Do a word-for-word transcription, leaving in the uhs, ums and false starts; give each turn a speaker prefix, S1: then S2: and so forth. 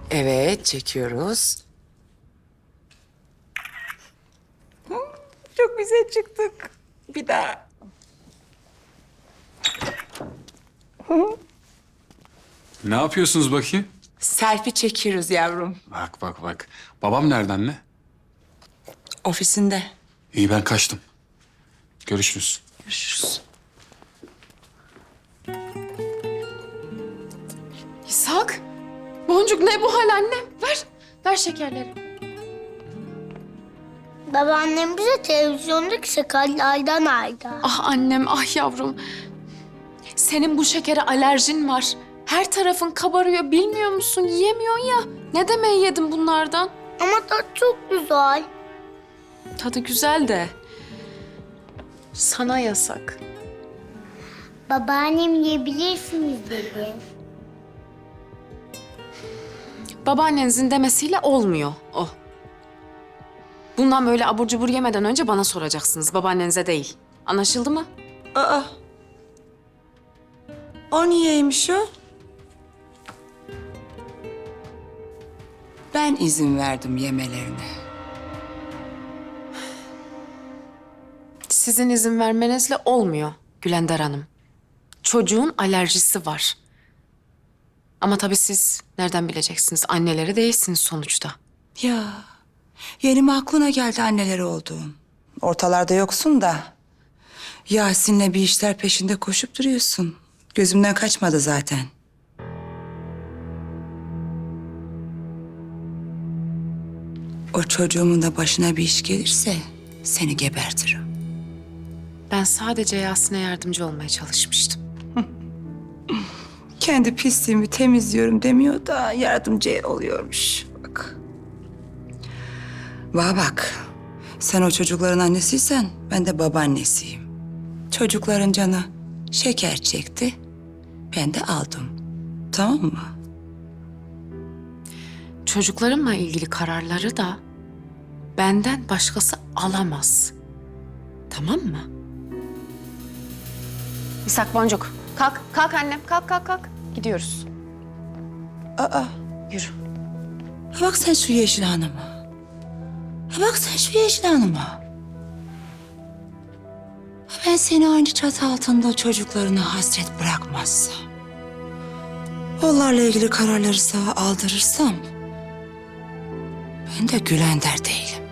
S1: Evet, çekiyoruz. Hı, çok güzel çıktık. Bir daha.
S2: Ne yapıyorsunuz bakayım?
S1: Selfie çekiyoruz yavrum.
S2: Bak bak bak. Babam nerede anne?
S1: Ofisinde.
S2: İyi ben kaçtım. Görüşürüz.
S1: Görüşürüz.
S3: İshak, Boncuk ne bu hal annem? Ver, ver şekerleri.
S4: Babaannem bize televizyondaki sakallardan aldı.
S3: Ah annem, ah yavrum. Senin bu şekere alerjin var. Her tarafın kabarıyor, bilmiyor musun? Yiyemiyorsun ya. Ne demeyi yedin bunlardan?
S4: Ama tat çok güzel.
S3: Tadı güzel de sana yasak.
S4: Babaannem yiyebilirsiniz dedi.
S3: Babaannenizin demesiyle olmuyor o. Bundan böyle abur cubur yemeden önce bana soracaksınız, babaannenize değil. Anlaşıldı mı?
S1: Aa. O niyeymiş o? Ben izin verdim yemelerine.
S3: Sizin izin vermenizle olmuyor Gülender Hanım. Çocuğun alerjisi var. Ama tabii siz nereden bileceksiniz? Anneleri değilsiniz sonuçta.
S5: Ya yeni mi aklına geldi anneleri olduğum? Ortalarda yoksun da. Yasin'le bir işler peşinde koşup duruyorsun. Gözümden kaçmadı zaten. O çocuğumun da başına bir iş gelirse seni gebertirim.
S3: Ben sadece Yasin'e yardımcı olmaya çalışmıştım.
S5: Kendi pisliğimi temizliyorum demiyor da yardımcı oluyormuş. Bak. Bana bak. Sen o çocukların annesiysen ben de babaannesiyim. Çocukların canı şeker çekti. Ben de aldım. Tamam mı?
S3: Çocuklarımla ilgili kararları da benden başkası alamaz. Tamam mı? İshak Boncuk, kalk, kalk annem, kalk, kalk, kalk. Gidiyoruz.
S5: Aa.
S3: Yürü.
S5: Ha bak sen şu Yeşil Hanım'a. Ha bak sen şu Yeşil Hanım'a. Ha ben seni aynı çatı altında çocuklarına hasret bırakmazsam, onlarla ilgili kararları sana aldırırsam, ben de Gülender değilim.